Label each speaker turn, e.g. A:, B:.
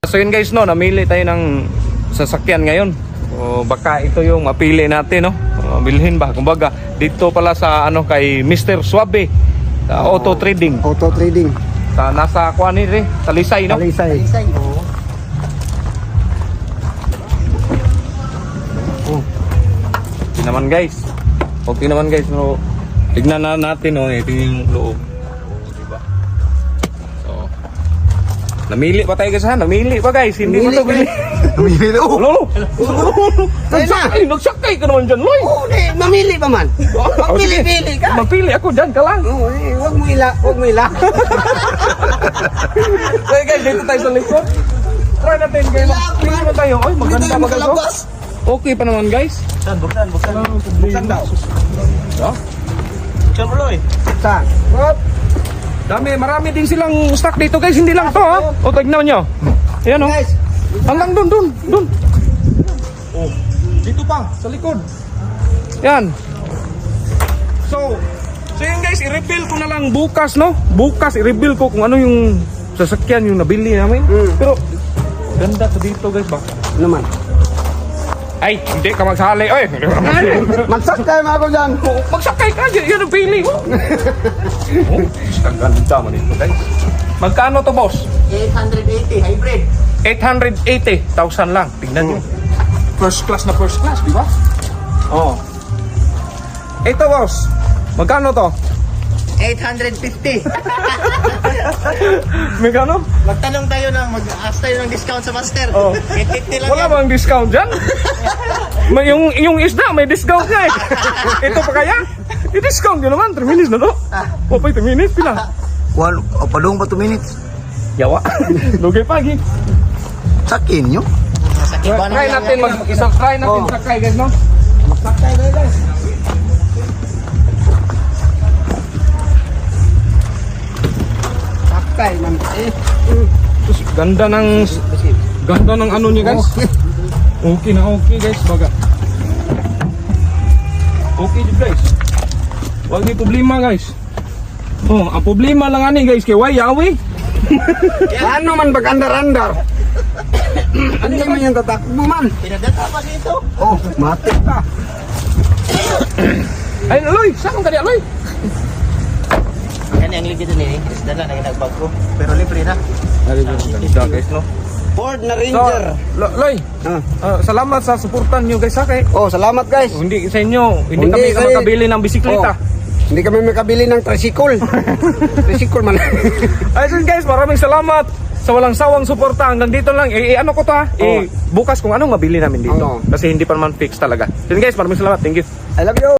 A: So yun guys, no, namili tayo ng sasakyan ngayon. O baka ito yung mapili natin, no. Bilhin ba? Kumbaga, dito pala sa ano kay Mr. Suabe, Auto Trading.
B: Auto Trading.
A: Sa nasa kuan ni Talisay, no.
B: Talisay.
A: Oo. Oh. Okay naman guys. Okay naman guys, no. Tignan na natin, no, ito yung loob. Diba? So, namili pa tayo guys, ha? Namili pa guys, hindi mo to bili.
B: Namili na.
A: Lolo! Nagsakay ka naman dyan, Loy!
B: Oo, mamili pa man. Magpili-pili ka.
A: Magpili ako dyan ka lang.
B: Oo, wag mo ila.
A: So guys, dito tayo sa likod. Try natin guys. Pili naman tayo. Ay, maganda maganda. Okay pa naman guys.
B: Buksan daw.
A: So,
B: Buksan mo, Loy. Buksan.
A: marami din silang stock dito guys. Hindi lang to, ha? O, tignan nyo. Ayan, o.
B: Guys.
A: Hanggang dun. Oh, dito pa, sa likod. Yan. So yun guys, i-reveal ko na lang bukas, no? Bukas, i-reveal ko kung ano yung sasakyan yung nabili namin. Pero, ganda sa dito guys ba?
B: Naman.
A: Ay, hindi ka magsali. Oy,
B: Magsakay mo ako dyan.
A: magsakay ka dyan. Yan ang pili mo. Oh, ang ganda man ito guys. Magkano to boss?
B: 880 hybrid.
A: 880,000 lang. Tingnan nyo. First class, di ba? Oh. Ito boss. Magkano to?
B: 850.
A: Magkano?
B: Magtanong tayo mag-ask tayo ng discount sa master.
A: Oh.
B: 850 lang
A: Wala bang discount dyan? May yung isda, may discount nga eh. Ito pa kaya? I-discount nyo naman. 3 minutes na to. O pa 3 minutes, pila?
B: Padung pa 2 minutes.
A: Yawa. Lugay pagi.
B: Sakin nyo.
A: Try natin try natin sakay guys, no?
B: Magsakay tayo guys. Sakay man.
A: Terus ganda ng ano niya guys. Okay na okay guys, baga. Okay din guys. Wag may problema guys. Oh, ang problema lang ani guys kay Wayawi.
B: Ano man pag-andar-andar? Ano naman yung tatakbo man? Pinadata pa dito. Oh, matik ka.
A: Ay, Aloy, saan ka di Aloy?
B: Yan ang ligid ni Isda na nagbag ko. Pero libre na.
A: Ganda guys, no?
B: Ford na
A: So,
B: Ranger.
A: Loy, salamat sa suportan nyo guys ha kay.
B: Oh, salamat guys.
A: Hindi sa inyo, hindi
B: Hindi,
A: kami
B: kay-
A: makabili ng bisikleta.
B: Hindi kami makabili ng tricycle. Tricycle man.
A: Ayun guys, maraming salamat sa walang sawang suporta. Hanggang dito lang. Ano ko to ha? Bukas kung anong mabili namin dito.
B: Oo.
A: Kasi hindi pa naman fix talaga. Yun guys, maraming salamat. Thank you.
B: I love you.